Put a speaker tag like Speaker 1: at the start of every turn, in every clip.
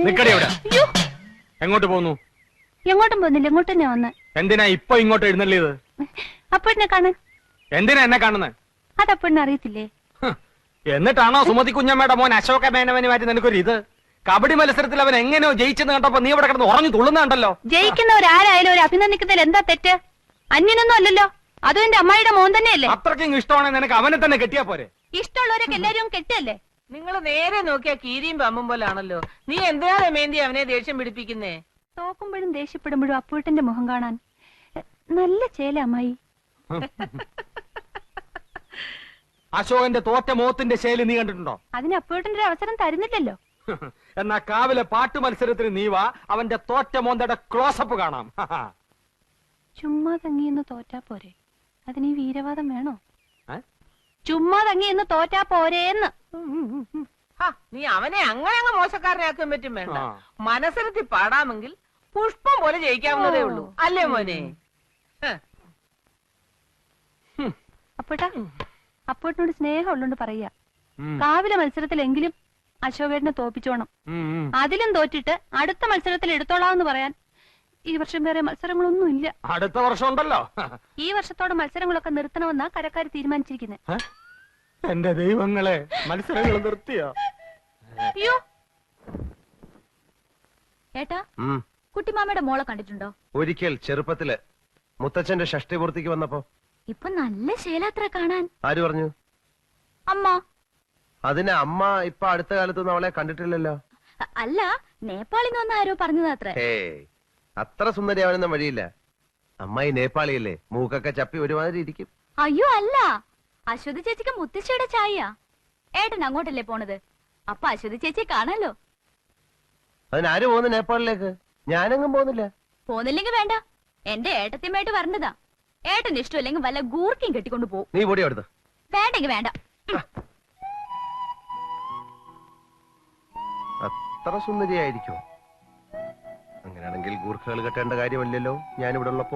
Speaker 1: നിക്കടി അവിടെ. എങ്ങോട്ട് പോന്നു?
Speaker 2: എങ്ങോട്ടും പോകുന്നില്ല, ഇങ്ങോട്ട് തന്നെ വന്ന്.
Speaker 1: എന്തിനാ ഇപ്പൊ ഇങ്ങോട്ട് എഴുന്നള്ളിയത്?
Speaker 2: അപ്പോഴെന്നെ കാണാൻ.
Speaker 1: എന്തിനാ എന്നെ കാണുന്നത്?
Speaker 2: അതപ്പോഴെന്നെ അറിയത്തില്ലേ?
Speaker 1: എന്നിട്ടാണോ സുമതി കുഞ്ഞമ്മയുടെ മോൻ അശോക മേനവന് മാറ്റി നിനക്കൊരു ഇത്? കബഡി മത്സരത്തിൽ അവൻ എങ്ങനെയോ ജയിച്ചെന്ന് കണ്ടപ്പോ നീ ഇവിടെ കിടന്ന് ഉറഞ്ഞു തുള്ളുന്നുണ്ടല്ലോ.
Speaker 2: ജയിക്കുന്നവരാരായാലും ഒരു അഭിനന്ദിക്കുന്നതിൽ എന്താ തെറ്റ്? അന്യനൊന്നും അല്ലല്ലോ, അതും എന്റെ അമ്മായിയുടെ മോൻ തന്നെയല്ലേ.
Speaker 1: അത്രയ്ക്കും ഇഷ്ടമാണെങ്കിൽ നിനക്ക് അവനെ തന്നെ കെട്ടിയാ പോരെ?
Speaker 2: ഇഷ്ടമുള്ളവരൊക്കെ എല്ലാരും കെട്ടല്ലേ?
Speaker 3: നിങ്ങൾ നേരെ നോക്കിയാ കീരിയും പമ്പും പോലാണല്ലോ. നീ എന്തിനാ രമേന്തി അവനെ ദേഷ്യം പിടിപ്പിക്കുന്നേ?
Speaker 2: തോക്കുമ്പോഴും ദേഷ്യപ്പെടുമ്പോഴും അപ്പൂട്ടന്റെ മുഖം കാണാൻ നല്ല ചേല അമ്മായി.
Speaker 1: അശോകന്റെ തോറ്റ മോത്തിന്റെ ശൈലി നീ കണ്ടിട്ടുണ്ടോ?
Speaker 2: അതിന് അപ്പൂട്ടന്റെ ഒരു അവസരം തരുന്നില്ലല്ലോ.
Speaker 1: എന്നാ കാവിലെ പാട്ട് മത്സരത്തിന് നീ വാ, അവന്റെ തോറ്റ മോന്തയുടെ ക്ലോസപ്പ് കാണാം.
Speaker 2: ചുമ്മാ തങ്ങിയെന്ന് തോറ്റാ പോരെ, അതിന് ഈ വീരവാദം വേണോ? ചുമ്മാ തങ്ങിയെന്ന് തോറ്റാ പോരേന്ന്.
Speaker 3: നീ അവനെ അങ്ങനെ അങ്ങ് മോശക്കാരനാക്കാൻ പറ്റും വേണ്ട. മനസ്സിലെത്തി പാടാമെങ്കിൽ പുഷ്പം പോലെ ജയിക്കാവുന്നതേ ഉള്ളൂ, അല്ലേ മോനെ?
Speaker 2: അപ്പോട്ടിനോട് സ്നേഹം ഉള്ളോണ്ട് പറയാ, കാവിലെ മത്സരത്തിലെങ്കിലും അശോകേട്ടനെ തോപ്പിച്ചോണം. അതിലും തോറ്റിട്ട് അടുത്ത മത്സരത്തിൽ എടുത്തോളാന്ന് പറയാൻ ഈ വർഷം വേറെ മത്സരങ്ങളൊന്നും ഇല്ല.
Speaker 1: അടുത്ത വർഷം ഉണ്ടല്ലോ.
Speaker 2: ഈ വർഷത്തോടെ മത്സരങ്ങളൊക്കെ നിർത്തണമെന്നാ കരക്കാർ തീരുമാനിച്ചിരിക്കുന്നത്.
Speaker 1: എന്റെ ദൈവങ്ങളെ, മത്സരങ്ങൾ നിർത്തിയോ?
Speaker 2: അയ്യോ ഏട്ടാ, കുട്ടിമാമയുടെ മോളെ കണ്ടിട്ടുണ്ടോ?
Speaker 4: ഒരിക്കൽ ചെറുപ്പത്തില് മുത്തച്ഛന്റെ ഷഷ്ടിപൂർത്തിക്ക് വന്നപ്പോ.
Speaker 2: ഇപ്പൊ നല്ല ശേലാത്ര കാണാൻ.
Speaker 4: ആര് പറഞ്ഞു?
Speaker 2: അമ്മ.
Speaker 4: അതിന് അമ്മ ഇപ്പൊ അടുത്ത കാലത്തൊന്നും അവളെ കണ്ടിട്ടില്ലല്ലോ.
Speaker 2: അല്ല, നേപ്പാളിൽ നിന്ന് ആരോ പറഞ്ഞതാത്രേ.
Speaker 4: അത്ര സുന്ദരി അവനൊന്നും വഴിയില്ല. അമ്മായി നേപ്പാളിയല്ലേ, മൂക്കൊക്കെ ചപ്പി ഒരുമാതിരി ഇരിക്കും.
Speaker 2: അയ്യോ അല്ല, അശ്വതി ചേച്ചിക്ക് മുത്തശ്ശിയുടെ ചായ. ഏട്ടൻ അങ്ങോട്ടല്ലേ പോണത്, അപ്പൊ അശ്വതി ചേച്ചിയെ കാണാലോ.
Speaker 4: അതിനാര് പോകുന്നു നേപ്പാളിലേക്ക്? ഞാനെങ്ങും പോകുന്നില്ല.
Speaker 2: പോന്നില്ലെങ്കിൽ വേണ്ട, എന്റെ ഏട്ടത്തിയമ്മയായിട്ട് വരണ്ടതാ. ഏട്ടന് ഇഷ്ടമില്ലെങ്കിൽ വല്ല ഗൂർക്കും കെട്ടിക്കൊണ്ട് പോകും.
Speaker 4: നീ പൊടി അവിടുന്ന്.
Speaker 2: വേണ്ടെങ്കിൽ വേണ്ട.
Speaker 4: അത്ര സുന്ദരിയായിരിക്കോ? അങ്ങനെയാണെങ്കിൽ ഗൂർഖകൾ കെട്ടേണ്ട കാര്യമല്ലല്ലോ ഞാനിവിടെ ഉള്ളപ്പോ.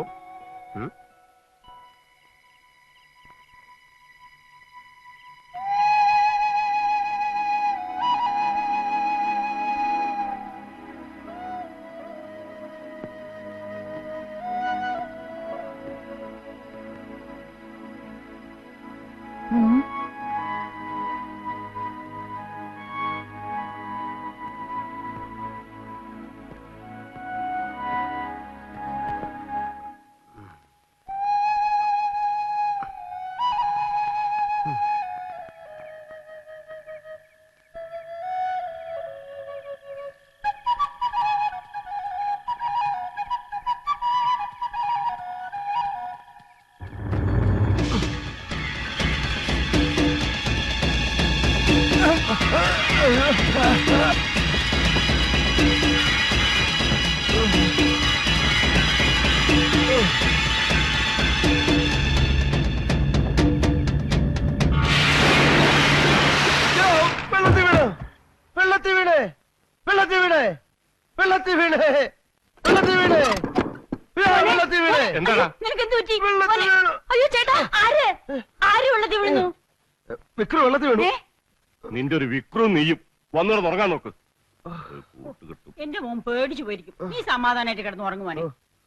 Speaker 5: നിന്റെ ഒരു വിക്രും നീയും വന്നോട് ഉറങ്ങാൻ നോക്ക്.
Speaker 3: എന്റെ മോൻ പേടിച്ചു പോയിരിക്കും. നീ സമാധാനായിട്ട് കിടന്ന് ഉറങ്ങുവാനേ.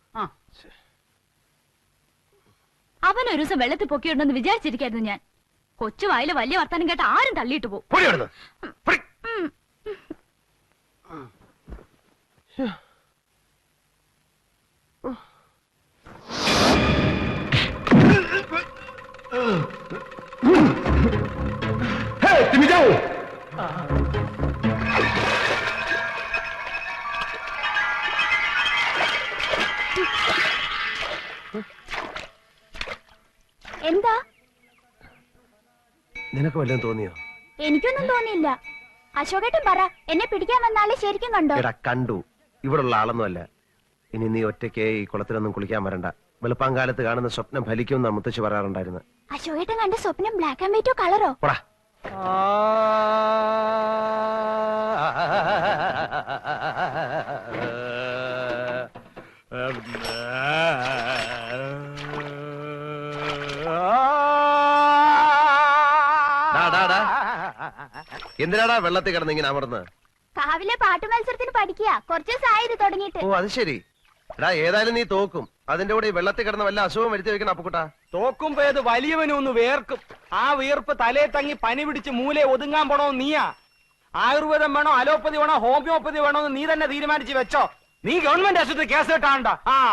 Speaker 2: അവനൊരു ദിവസം വെള്ളത്തിൽ പൊക്കിയുണ്ടെന്ന് വിചാരിച്ചിരിക്കായിരുന്നു ഞാൻ. കൊച്ചുവായില് വലിയ വർത്താനം കേട്ട ആരും തള്ളിയിട്ട് പോകും. എന്താ?
Speaker 4: നിനക്ക് വല്ലതും തോന്നിയോ?
Speaker 2: എനിക്കൊന്നും തോന്നിയില്ല. അശോകേട്ടൻ പറ, എന്നെ പിടിക്കാൻ വന്നാലേ ശരിക്കും കണ്ടോ?
Speaker 4: എടാ കണ്ടു, ഇവിടുള്ള ആളൊന്നുമല്ല. ഇനി നീ ഒറ്റയ്ക്ക് ഈ കുളത്തിലൊന്നും കുളിക്കാൻ വരണ്ട. വെളുപ്പാങ്കാലത്ത് കാണുന്ന സ്വപ്നം ഫലിക്കുമെന്നാ മുത്തശ്ശി പറയാറുണ്ടായിരുന്നു.
Speaker 2: അശോകേട്ടൻ കണ്ട സ്വപ്നം ബ്ലാക്ക് ആൻഡ് വൈറ്റോ കളറോ?
Speaker 4: എന്തിനാടാ വെള്ളത്തിൽ കിടന്ന് ഇങ്ങനെ അമർന്ന്?
Speaker 6: കാവിലെ പാട്ട് മത്സരത്തിന് പഠിക്കുക കുറച്ച് ദിവസമായി ഇത് തുടങ്ങിയിട്ട്.
Speaker 4: ഓ അത് ശരി. എടാ ഏതായാലും നീ തോക്കും. അതിന്റെ കൂടെ ഈ വെള്ളത്തിൽ കിടന്ന വല്ല അസുഖം വരുത്തി വെക്കണം അപ്പുക്കുട്ടാ.
Speaker 1: തോക്കുമ്പോ ഏത് വലിയവനും ഒന്ന് വേർക്കും. ആ വീർപ്പ് തലേ തങ്ങി പനി പിടിച്ച് മൂലെ ഒതുങ്ങാൻ പോണോ നീയാ? ആയുർവേദം വേണോ അലോപ്പതി വേണോ ഹോമിയോപ്പതി വേണോ എന്ന് നീ തന്നെ തീരുമാനിച്ച് വെച്ചോ. നീ ഗവൺമെന്റ് ആശുപത്രി കേസ് കിട്ടാണ്ട.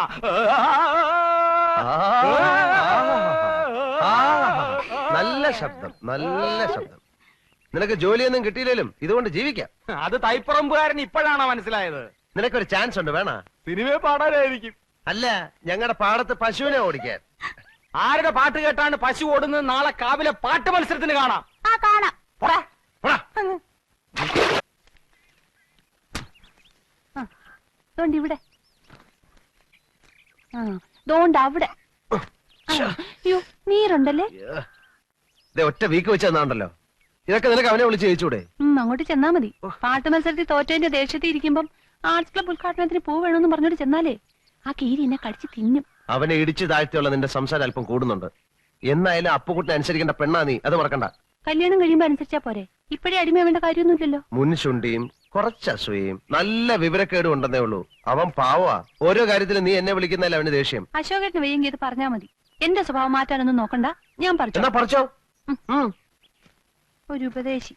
Speaker 4: നല്ല ശബ്ദം, നല്ല ശബ്ദം. നിനക്ക് ജോലിയൊന്നും കിട്ടിയില്ലേലും ഇതുകൊണ്ട് ജീവിക്കാം.
Speaker 1: അത് തൈപ്പറമ്പുകാരൻ ഇപ്പോഴാണോ മനസ്സിലായത്?
Speaker 4: നിനക്കൊരു ചാൻസ് ഉണ്ട്, വേണ?
Speaker 1: സിനിമയെ പാടാനായിരിക്കും.
Speaker 4: അല്ല, ഞങ്ങളുടെ പാടത്ത് പശുവിനെ ഓടിക്കാൻ.
Speaker 1: ആരുടെ പാട്ട് കേട്ടാണ് പശു ഓടുന്നത്? നാളെ കാവിലെ പാട്ട് മത്സരത്തിന് കാണാം.
Speaker 6: ആ കാണാം.
Speaker 1: പോടാ, പോടാ.
Speaker 2: ദോണ്ട് ഇവിടെ. ദോണ്ട് അവിടെ. അയ്യോ നീരുണ്ടല്ലേ?
Speaker 4: ഒറ്റ വീക്ക് വെച്ച് തന്നാണ്ടല്ലോ. ഇതൊക്കെ നിനക്ക് അവനെ വിളിച്ച് ചോദിച്ചൂടെ?
Speaker 2: അങ്ങോട്ട് ചെന്നാ മതി. പാട്ട് മത്സരത്തിൽ തോറ്റതിന്റെ ദേഷ്യത്തിൽ ഇരിക്കുമ്പം ആർട്സ് ക്ലബ് ഉദ്ഘാടനത്തിന് പൂ വേണമെന്ന് പറഞ്ഞോട്ട് ചെന്നാലേ ആ കീരി എന്നെ കടിച്ച് തിന്നും.
Speaker 4: അവനെ ഇടിച്ചു താഴ്ത്തിയുള്ള നിന്റെ സംസാരം അല്പം കൂടുന്നുണ്ട്. എന്നായാലും അപ്പുകുട്ടിനെ അനുസരിക്കേണ്ട പെണ്ണാ നീ, അത് മറക്കണ്ട.
Speaker 2: കല്യാണം കഴിയുമ്പോ അനുസരിച്ചാ പോരെ. ഇപ്പഴേ അടിമയാവേണ്ട കാര്യമൊന്നുമില്ലല്ലോ.
Speaker 4: മുൻശുണ്ടിയും കുറച്ച് അസൂയയും നല്ല വിവരക്കേടും ഉണ്ടെന്നേ ഉള്ളൂ. അവൻ പാവാ. ഓരോ കാര്യത്തിലും നീ എന്നെ വിളിക്കുന്നതല്ല അവന് ദേഷ്യം.
Speaker 2: അശോകേട്ടന് വയ്യെങ്കിൽ ഇത് പറഞ്ഞാ മതി. എന്റെ സ്വഭാവം മാറ്റാനൊന്നും നോക്കണ്ട. ഞാൻ പറഞ്ഞു.
Speaker 4: എന്നാ പറിച്ചോ.
Speaker 2: ഒരു ഉപദേശി.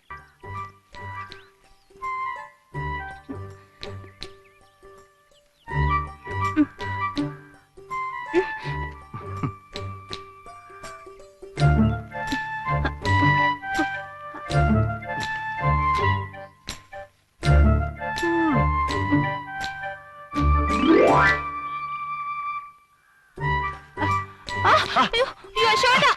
Speaker 2: അയ്യോ അശോക.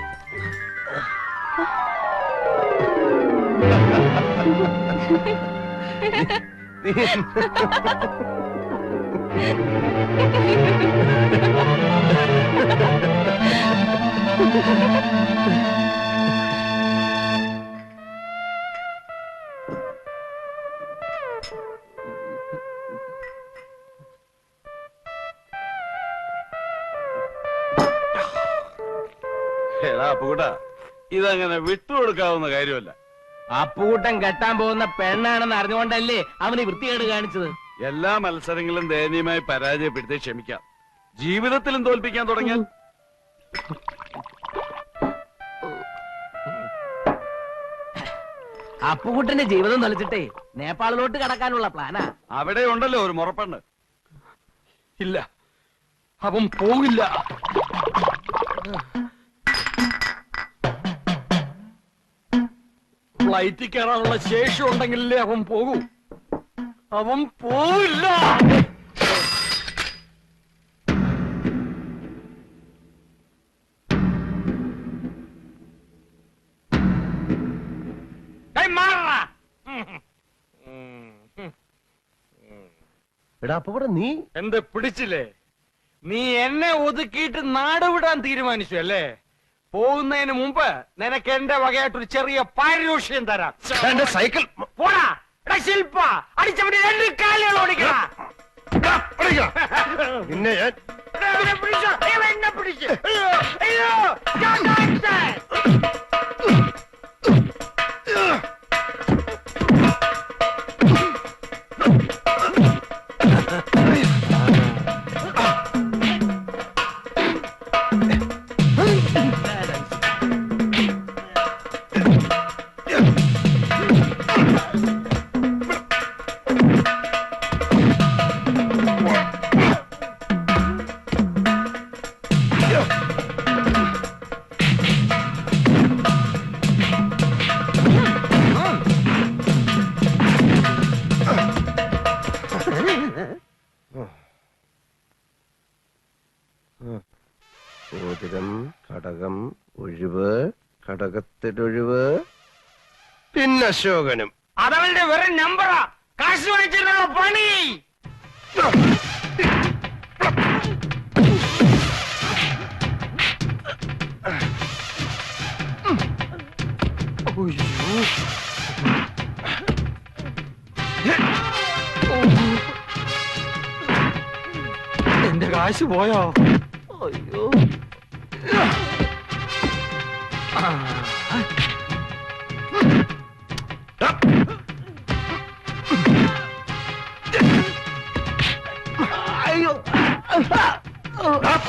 Speaker 5: അപ്പുകൂട്ടാ, ഇതങ്ങനെ വിട്ടുകൊടുക്കാവുന്ന കാര്യമല്ല.
Speaker 3: അപ്പൂട്ടൻ കെട്ടാൻ പോകുന്ന പെണ്ണാണെന്ന് അറിഞ്ഞുകൊണ്ടല്ലേ അവന് വൃത്തികേട് കാണിച്ചത്.
Speaker 5: എല്ലാ മത്സരങ്ങളും ദയനീയമായി പരാജയപ്പെടുത്തി ക്ഷമിക്കാം. ജീവിതത്തിലും തോൽപ്പിക്കാൻ തുടങ്ങിയാൽ
Speaker 3: അപ്പുകുട്ടന്റെ ജീവിതം തൊലച്ചിട്ടേ നേപ്പാളിലോട്ട് കടക്കാനുള്ള പ്ലാനാ.
Speaker 5: അവിടെ ഉണ്ടല്ലോ ഒരു മുറപ്പെണ്ണ്.
Speaker 1: ഇല്ല, അവൻ പോകില്ല. ഫ്ലൈറ്റിൽ കയറാനുള്ള ശേഷി ഉണ്ടെങ്കിലേ അവൻ പോകൂ. അവൻ പോവില്ല.
Speaker 4: എടാ അപ്പുകൂടെ നീ
Speaker 1: എന്ത് പിടിച്ചില്ലേ? നീ എന്നെ ഒതുക്കിയിട്ട് നാടുവിടാൻ തീരുമാനിച്ചു അല്ലേ? പോകുന്നതിന് മുമ്പ് നിനക്ക് എന്റെ വകയായിട്ടൊരു ചെറിയ പാരിതോഷികം തരാം.
Speaker 4: എന്റെ സൈക്കിൾ
Speaker 1: പോടാ. എടാ ശില്പ, അടിച്ചവന്റെ 2 കാലുകൾ ഓടിക്കടാ.
Speaker 4: നിന്നെ ഞാൻ
Speaker 1: എന്നെ പിടിച്ചോ. എന്നെ പിടിച്ച്. അയ്യോ അയ്യോ.
Speaker 4: മോതിരം, കടകം, ഒഴിവ്, കടകത്തിലൊഴിവ്, പിന്നെ അശോകനും.
Speaker 1: അതവന്റെ വെറും നമ്പറാ. കാശ് വാങ്ങിച്ചിട്ടുള്ള പണി. എന്റെ കാശ് പോയോ? അയ്യോ.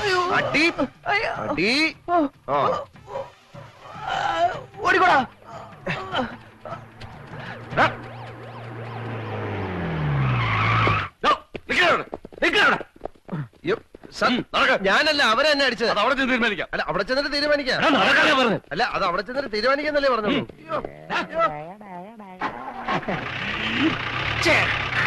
Speaker 4: അടി അടി ആ
Speaker 1: ഓടിക്കോടാ.
Speaker 4: അയ്യോ, ഞാനല്ല അവരെ എന്നെ അടിച്ചത്.
Speaker 5: അത് അവിടെ ചെന്ന് തീരുമാനിക്കാം.
Speaker 4: അല്ല അവിടെ ചെന്നിട്ട് തീരുമാനിക്കാം. അല്ല അത് അവിടെ ചെന്നിട്ട് തീരുമാനിക്കാന്നല്ലേ പറഞ്ഞോളൂ.